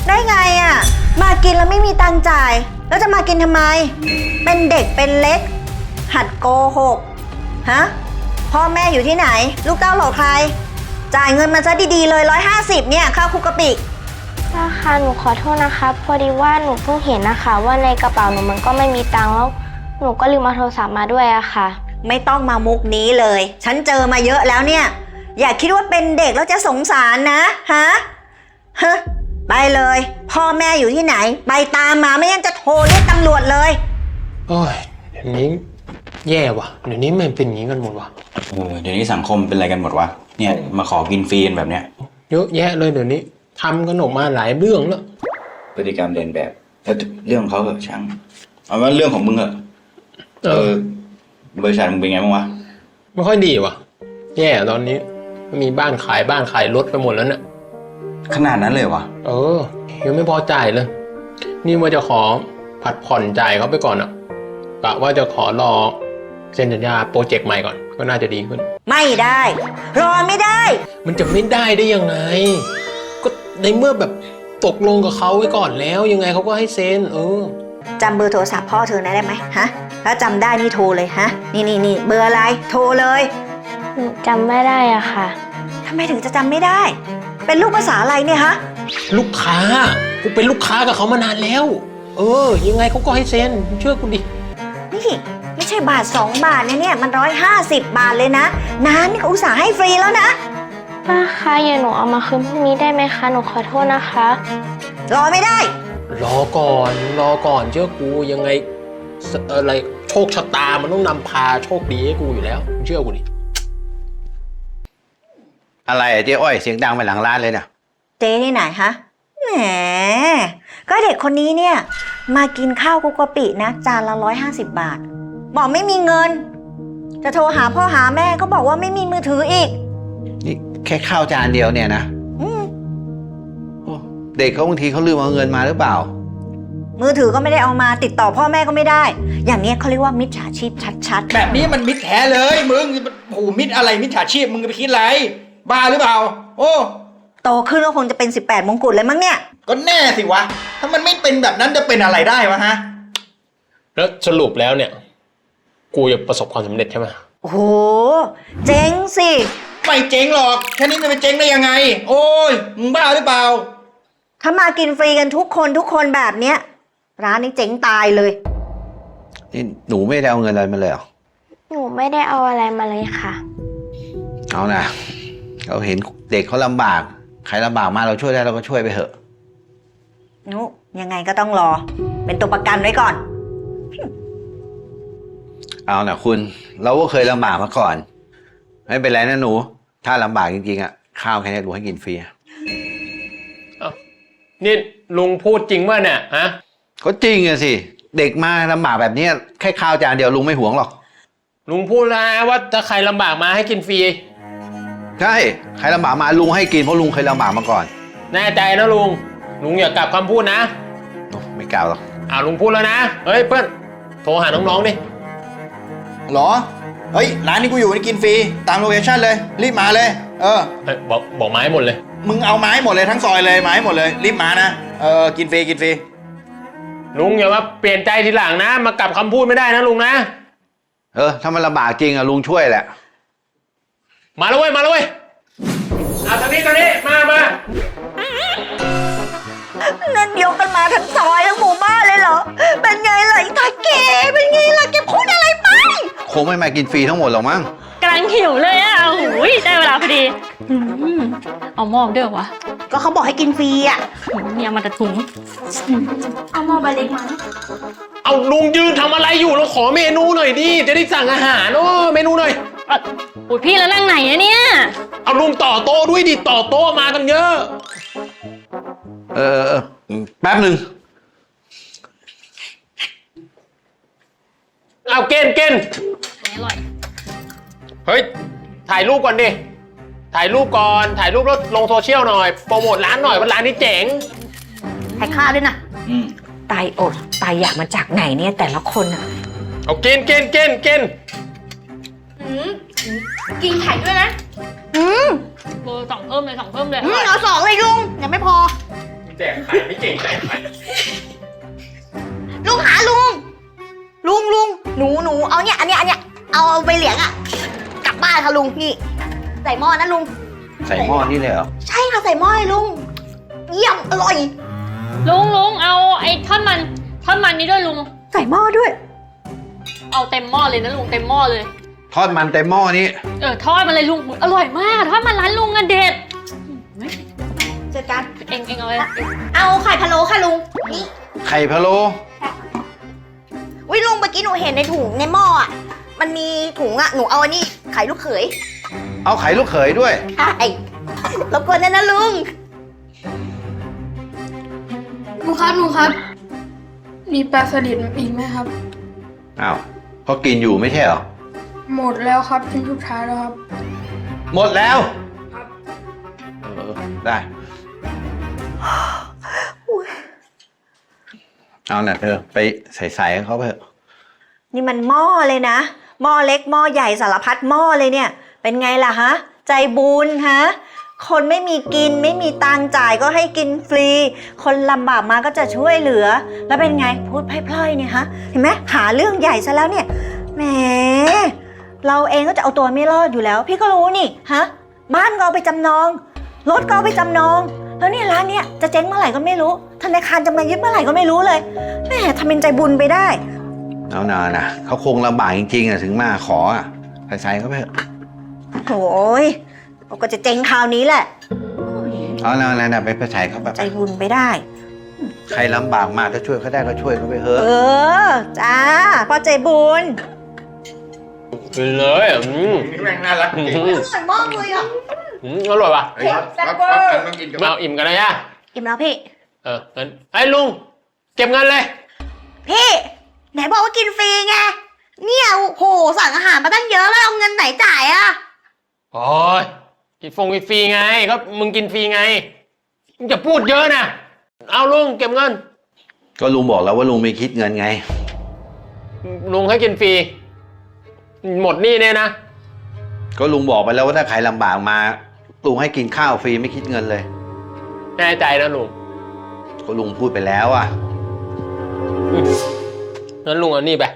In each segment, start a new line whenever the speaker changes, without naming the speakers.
ได้ไงอ่ะมากินแล้วไม่มีตังค์จ่ายแล้วจะมากินทำไมเป็นเด็กเป็นเล็กหัดโกหกฮะพ่อแม่อยู่ที่ไหนลูกเต้าเหล่าใครจ่ายเงินมาซะดีๆเลย150เนี่ยข้าวคุกกะปิ
ป้าคะหนูขอโทษนะคะพอดีว่าหนูเพิ่งเห็นนะคะว่าในกระเป๋าหนูมันก็ไม่มีตังค์แล้วหนูก็ลืมเอาโทรศัพท์มาด้วยอะค่ะ
ไม่ต้องมามุกนี้เลยฉันเจอมาเยอะแล้วเนี่ยอย่าคิดว่าเป็นเด็กแล้วจะสงสารนะฮะไปเลยพ่อแม่อยู่ที่ไหนไปตามมาไม่งั้นจะโทรเรียกตำรวจเลย
โอ้ยเดี๋ยวนี้แย่ว่ะเดี๋ยวนี้มันเป็นอย่างนี้กันหมดว่ะ
เดี๋ยวนี้สังคมเป็นอะไรกันหมดวะเนี่ยมาขอกินฟรีแบบเนี้ย
เยอะแยะเลยเดี๋ยวนี้ทำกันออกมาหลายเรื่องแล้ว
พฤติกรรมเรียนแบบแล้วเรื่องของเขาเหอะช่างเอาว่าเรื่องของมึงเหอะบริษัทมึงเป็นไงบ้างวะ
ไม่ค่อยดีว่ะแย่ตอนนี้มีบ้านขายรถไปหมดแล้วเนี่ย
ขนาดนั้นเลยวะ
ยังไม่พอจ่ายเลยนี่ว่าจะขอผัดผ่อนจ่ายเขาไปก่อนอ่ะกะว่าจะขอรอเซ็นสัญญาโปรเจกต์ใหม่ก่อนก็น่าจะดีขึ้น
ไม่ได้รอไม่ได้
มันจะไม่ได้ยังไงก็ในเมื่อแบบตกลงกับเขาไว้ก่อนแล้วยังไงเขาก็ให้เซ็น
จำเบอร์โทรศัพท์พ่อเธอได้ไหมฮะถ้าจำได้นี่โทรเลยฮะนี่เบอร์อะไรโทรเลย
จำไม่ได้อะค่ะ
ทำไมถึงจะจำไม่ได้เป็นลูกภาษาอะไรเนี่ยฮะ
ลูกค้ากูเป็นลูกค้ากับเขามานานแล้วยังไงเขาก็ให้เซ็นเชื่อกูดิ
นี่ไม่ใช่บาท2 บาทเนี่ยมัน150 บาทเลยนะน้านี่เขาอุตส่าห์ให้ฟรีแล้วนะ
ป้าคะอย่าหนูเอามาคืนพรุ่งนี้ได้ไหมคะหนูขอโทษนะคะ
รอไม่ได้
รอก่อนเชื่อกูยังไงอะไรโชคชะตามันต้องนำพาโชคดีให้กูอยู่แล้วเชื่อกูดิ
อะไรเจ๊อ้อยเสียงดังไปหลังร้านเลยเนี่ย
เจ๊ที่ไหนฮะแหมก็เด็กคนนี้เนี่ยมากินข้าวคุกกะปินะจานละ150 บาทบอกไม่มีเงินจะโทรหาพ่อหาแม่ก็บอกว่าไม่มีมือถืออีก
นี่แค่ข้าวจานเดียวเนี่ยนะเด็กเขาบางทีเขาลืมเอาเงินมาหรือเปล่า
มือถือก็ไม่ได้เอามาติดต่อพ่อแม่ก็ไม่ได้อย่างนี้เขาเรียกว่ามิจฉาชีพชัด
ๆแบบนี้มันมิจแท้เลยมึงโอ้มิจอะไรมิจฉาชีพมึงไปคิดอะไรบ้าหรือเปล่า
โตขึ้นก็คงจะเป็น18 มงกุฎเลยมั้งเนี่ย
ก็แน่สิวะถ้ามันไม่เป็นแบบนั้นจะเป็นอะไรได้วะฮะ
แล้วสรุปแล้วเนี่ยกูจะประสบความสำเร็จใช่ไหม
โอ้โหเจ๊งสิ
ไม่เจ๊งหรอกแค่นี้มันเจ๊งได้ยังไงโอ้ยมึงบ้าหรือเปล่า
ถ้ามากินฟรีกันทุกคนแบบเนี้ยร้านนี้เจ๊งตายเลย
นี่หนูไม่ได้เอาเงินอะไรมาเลยเหรอ
หนูไม่ได้เอาอะไรมาเลยค่ะ
เอานะเราเห็นเด็กเขาลำบากใครลำบากมาเราช่วยได้เราก็ช่วยไปเถอะ
ยังไงก็ต้องรอเป็นตัวประกันไว้ก่อน
เอานะคุณเราก็เคยลำบากมาก่อนไม่เป็นไรนะหนูถ้าลำบากจริงๆอ่ะข้าวแค่นี้ลุงให้กินฟรี
นี่ลุงพูดจริงป่ะเนี่ยฮะ
ก็จริงอะสิเด็กมาลำบากแบบนี้แค่ข้าวจานเดียวลุงไม่หวงหรอก
ลุงพูดแล้วว่าถ้าใครลำบากมาให้กินฟรี
ใช่ใครลำบากมาลุงให้กินเพราะลุงเคยลำบากมาก่อน
แน่ใจนะลุงอย่ากลับคำพูดนะ
ไม่กล่าวหรอก
ลุงพูดแล้วนะเฮ้ยเพื่อนโทรหาน้องๆดิ
หรอเฮ้ยร้านนี้กูอยู่นี่กินฟรีตามโลเคชั่นเลยรีบมาเลย
บอกไม้หมดเลย
มึงเอาไม้หมดเลยทั้งซอยเลยไม้หมดเลยรีบมานะกินฟรี
ลุงอย่าว่าเปลี่ยนใจทีหลังนะมากลับคำพูดไม่ได้นะลุงนะ
ถ้ามันลำบากจริงอะลุงช่วยแหละ
มาแล้วเว้ยตอนนี้มา
นั่นยกกันมาทั้งซอยทั้งหมู่บ้านเลยเหรอเป็นไงล่ะไอ้ตาเก๋เป็นไงล่ะแกพูดอะไรไป
คงไม่มากินฟรีทั้งหมดหรอกมั้ง
กำลังหิวเลยอ่ะโอ้ยได้เวลาพอดีเอาหม้อเด้อวะ
ก็เขาบอกให้กินฟรีอ่ะ
เนี่ยมาแต่ถุง
เอาหม้อใบเล็กมา
เอาลุงยืนทำอะไรอยู่เราขอเมนูหน่อยดิจะได้สั่งอาหารเมนูหน่อย
โอ้ยพี่แล้วนั่งไหนอะเนี่ย
เอาลุงต่อโต๊ะด้วยดิต่อโต๊ะมากันเยอะ
แป๊บหนึ่ง
เอาเกณฑ์
อร่อย
เฮ้ยถ่ายรูปก่อนดิถ่ายรูปแล้วลงโซเชียลหน่อยโปรโมทร้านหน่อยว่าร้านนี้เจ๋ง
ถ่ายค่าด้วยนะตายอดตายอยากมาจากไหนเนี่ยแต่ละคนอะ
เอาเกณฑ์
กินไข่ด้วยนะเบอร์2 เพิ่มเลย
เอา2เลยลุงยังไม่พอ
ใแจกใครไม่เก่งใจใคร
ลุงหาลุงหนูเอาเนี่ยอันเนี้ยเอาไปเหลียงอะกลับบ้านค่ะลุงนี่ใส่หม้อนะลุง
ใส่หม้อนี่เลยเหรอ
ใช่ค่ะใส่หม้อเลยลุงเยี่ยมอร่อย
ลุงเอาไอ้ท่อนมันนี้ด้วยลุง
ใส่หม้อด้วย
เอาเต็มหม้อเลยนะลุงเต็มหม้อเลย
ทอดมันเต็มหม้อนี้
ทอดมาเลยลุงอร่อยมากทอดมันร้านลุงอะเด็ด
เจอกัน
เองเอาเลย
เอาไข่พะโล้ค่ะลุงนี่
ไข่พะโล้
วิลุงเมื่อกี้หนูเห็นในถุงในหม้ออะมันมีถุงอะหนูเอาอันนี้ไข่ลูกเขย
เอาไข่ลูกเขยด้วย
ใช่รบกวนนะลุง
ลุงครับ มีปลาสลิดอีกไหมครับ
อ้าวเขากินอยู่ไม่ใช่เหรอ
หมดแล้วครับชิ้นสุดท้ายแล้วครับ
หมดแล้วได้ เอาน่ะเธอไปใส่ให้เขาไปเถอะ
นี่มันหม้อเลยนะหม้อเล็กหม้อใหญ่สารพัดหม้อเลยเนี่ย เป็นไงล่ะฮะใจบุญฮะคนไม่มีกินไม่มีตังค์จ่ายก็ให้กินฟรี คนลำบากมาก็จะช่วยเหลือ แล้วเป็นไงพูดพล่อยๆเนี่ยฮะเห็นไหมหาเรื่องใหญ่ซะแล้วเนี่ยแหมเราเองก็จะเอาตัวไม่รอดอยู่แล้ว พี่ก็รู้นี่ฮะบ้านก็เอาไปจำนองรถก็เอาไปจำนองแล้วเนี่ยร้านเนี่ยจะเจ๊งเมื่อไหร่ก็ไม่รู้ธนาคารจะมายึดเมื่อไหร่ก็ไม่รู้เลยแหมทำเป็นใจบุญไปได้
เอานานะเขาคงลำบากจริงๆอ่ะถึงมาขออ่ะใส่เขาไปเถอะ
โอ้ยก็จะเจ๊งคราวนี้แหละ
เอานะไปใส่เขาแบบ
ใจบุญไปได้
ใครลำบากมาถ้าช่วยเขาได้ก็ช่วยเขาไปเถอะ
จ้าพ่อใจบุญ
กินเลย
นี่แม่งน่ารักจริง
อร่อยมากเลยอ่ะ
อร่อยป่ะ
เฮ้ยรับมันกินกับ
มาเอาอิ่มกันเลยอะ
อิ่มแล้วพี่
งั้นไอ้ลุงเก็บเงินเลย
พี่ไหนบอกว่ากินฟรีไงเนี่ยโหสั่งอาหารมาตั้งเยอะแล้วเอาเงินไหนจ่ายอ่ะ
โอ้ยกินฟรีไงก็มึงกินฟรีไงมึงจะพูดเยอะนะเอาลุงเก็บเงิน
ก็ลุงบอกแล้วว่าลุงไม่คิดเงินไง
ลุงให้กินฟรีหมดหนี่เนี่ยนะ
ก็ลุงบอกไปแล้วว่าถ้าใครลำบากมาลุงให้กินข้าวฟรีไม่คิดเงินเลย
แน่ใจนะลุง
ก็ลุงพูดไปแล้วอ่ะ
งั้นลุงเอานี่ไป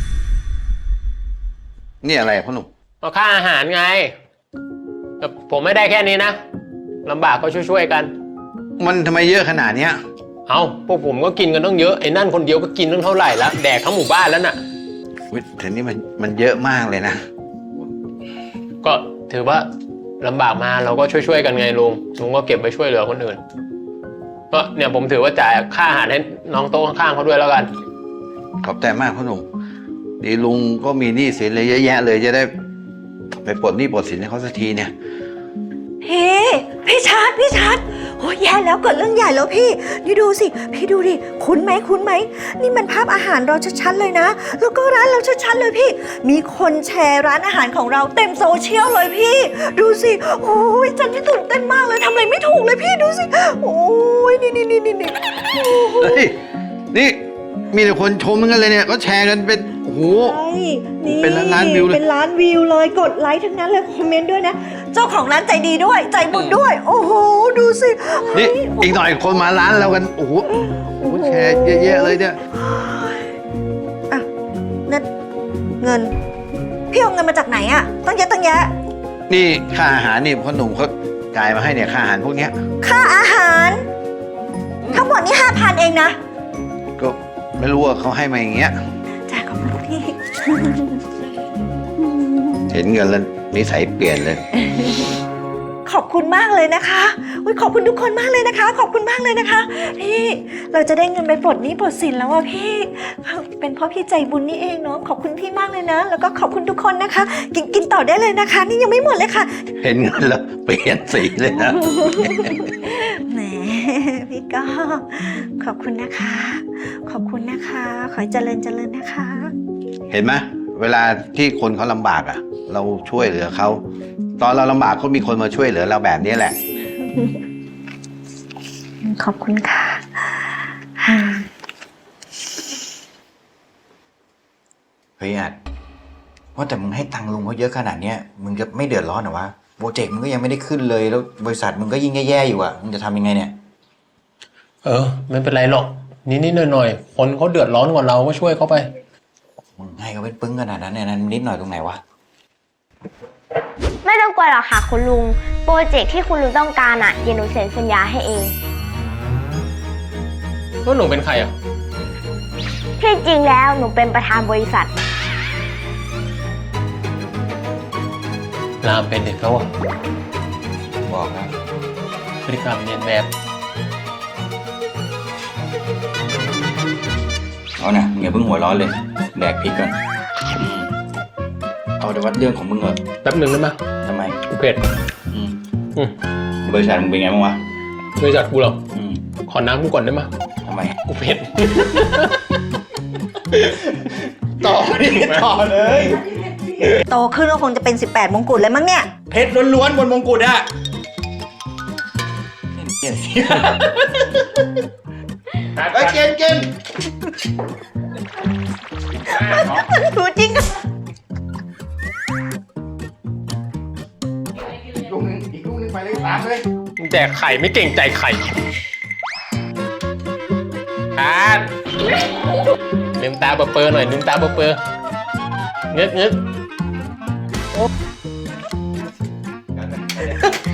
นี่อะไรพ่อหนุ่ม
เอาค่าอาหารไงแต่ผมไม่ได้แค่นี้นะลำบากก็ช่วยๆกัน
มันทำไมเยอะขนาดเนี้ย
เอาพวกผมก็กินกันต้องเยอะไอ้นั่นคนเดียวก็กินตั้งเท่าไหร่แล้วแดกทั้งหมู่บ้านแล้วน่ะ
วิแต่นี่มันเยอะมากเลยนะ
ก็ถือว่าลำบากมาเราก็ช่วยๆกันไงลุงก็เก็บไปช่วยเหลือคนอื่นก็เนี่ยผมถือว่าจ่ายค่าอาหารให้น้องโต๊ะข้างๆเขาด้วยแล้วกัน
ขอบใจมากพ่อหนุ่มดีลุงก็มีหนี้สินเลยเยอะแยะเลยจะได้ไปปลดหนี้ปลดสินให้เขาสักทีเนี่ย
พี่ชัดโอ้ยแย่แล้วเกิดเรื่องใหญ่แล้วพี่นี่ดูสิพี่ดูดิคุ้นไหมนี่มันภาพอาหารเราชัดๆเลยนะแล้วก็ร้านเราชัดๆเลยพี่มีคนแชร์ร้านอาหารของเราเต็มโซเชียลเลยพี่ดูสิโอ้ยจันที่ตื่นเต้นมากเลยทำอะไรไม่ถูกเลยพี่ดูสิโอ้ยนี่
เฮ้ยนี่มีแต่คนชมกันเลยเนี่ยก็แชร์กันเป็นโอ้โห เป็นล้านวิวเลย
เป็นล้านวิวเลยกดไลค์ทั้งนั้นเลยคอมเมนต์ด้วยนะเจ้าของร้านใจดีด้วยใจบุญด้วยโอ้โหดูสิ
นี่อีกหน่อยคนมาร้านเรากันโอ้โหแชร์เยอะแยะเลยเนี่ย
อ่ะนั่นเงินพี่เอาเงินมาจากไหนอะตั้งเยอะตั้งแยะ
นี่ค่าอาหารนี่พ่อหนุ่มเขาจ่ายมาให้เนี่ยค่าอาหารพวกเนี้ย
ค่าอาหารทั้งหมดนี่5,000เองนะ
ก็ไม่รู้ว่าเขาให้มาอย่างเงี้ย
จ่ายขอบคุณพี่
เห็นเงินแล้วนิสัยเปลี่ยนเลย
ขอบคุณมากเลยนะคะอุ๊ยขอบคุณทุกคนมากเลยนะคะ ขอบคุณมากเลยนะคะพี่เราจะได้เงินไปปลดหนี้ปลดสินแล้วอะพี่เป็นเพราะพี่ใจบุญนี่เองเนาะขอบคุณพี่มากเลยนะแล้วก็ขอบคุณทุกคนนะคะกินต่อได้เลยนะคะ นี่ยังไม่หมดเลยค่ะ
เห็นเงินแล้วเปลี่ยนสีเลยนะ
แหมพี่ก็ขอบคุณนะคะ ขอบคุณนะคะ ขอให้เจริญนะคะ
เห็นไหมเวลาที่คนเขาลำบากอ่ะ เราช่วยเหลือเขาตอนเราลำบากก็มีคนมาช่วยเหลือเราแบบนี้แหละ
ขอบคุณค่ะ
เฮ้ยอัดว่าแต่มึงให้ตังค์ลุงเขาเยอะขนาดเนี้ยมึงจะไม่เดือดร้อนเหรอวะโปรเจกต์มึงก็ยังไม่ได้ขึ้นเลยแล้วบริษัทมึงก็ยิ่งแย่ๆอยู่อ่ะมึงจะทำยังไงเนี่ย
ไม่เป็นไรหรอกนิดๆหน่อยๆคนเขาเดือดร้อนกว่าเราก็ช่วยเขาไป
มึงให้เขาเป็นปึ้งขนาดนั้นเนี่ยนั้นนิดหน่อยตรงไหนวะ
ไม่ต้องกลัวหรอกค่ะคุณลุง โปรเจกต์ที่คุณลุงต้องการเดี๋ยวหนูเซ็นสัญญาให้เอง
แล้วหนูเป็นใครอ่ะ
ที่จริงแล้วหนูเป็นประธานบริษัท
รามเป็นเด็กเขาอ่ะ
บอกแล้ว
พฤติกรรมเรียนแบบ
เอานะมึงอย่าเพิ่งหัวร้อนเลย แดกพริกก่อนเอาแต่ว่าเรื่องของมึงเหรอ
แป๊บหนึ่งได้ไหม
ทำไม
กูเผ็ด
อืม
อืม
บริษัทมึงเป็นไงบ้างวะ
บริษัทกูเหรอ
อืม
ขอน้ำกูก่อนได้ไหม
ทำไม
กูเผ็ด
ต่อนี่ต่อเลย
โตขึ้นก็คงจะเป็น 18 มงกุฎเลยมั้งเนี่ย
เพชรล้วนๆบนมงกุฎอะไอ้ยกิน
ดูจริง
อีกลูกนึงไปเลยตามเลย
มึงแจกไข่ไม่เก่งใจไข่ลืมตาเปอร์หน่อยลืมตาเปอร์เงึก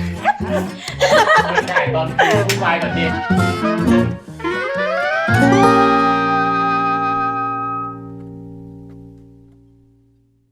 ไม่ได้ตอนพูดวายก่อนดิ